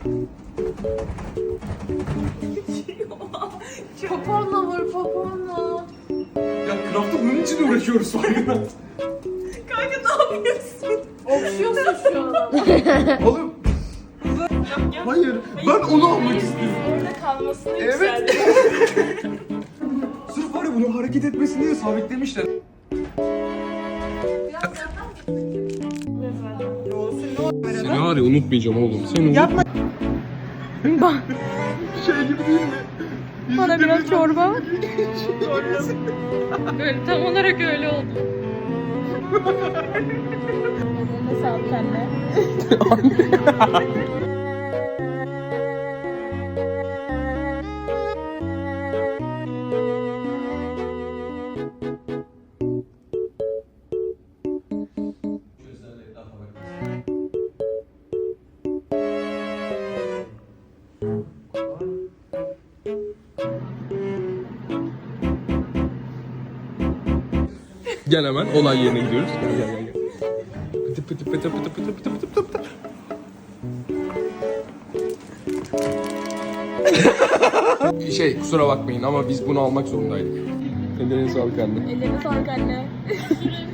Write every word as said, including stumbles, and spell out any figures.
Poponla vur, poponla. Ya craft'ta bunun için uğraşıyoruz farkında. Kanka ne yapıyorsun? Okşuyorsun şu an. Oğlum. Hayır, ben onu almak istiyorum. Orada kalmasını Evet. yükseldi. Sırf var ya bunu hareket etmesini diye sabitlemişler. Seni var ya unutmayacağım oğlum. Seni Yapma. Şey gibi değil mi? Bana biraz çorba. Böyle tam olarak öyle oldu. Ne sağlık anne. Gel hemen olay yerine gidiyoruz. Gel gel gel. Pıtı pıtı pıtı pıtı pıtı pıtı pıtı pıtı pıtı. Şey kusura bakmayın ama biz bunu almak zorundaydık. Ellerine sağlık anne. Ellerine sağlık anne.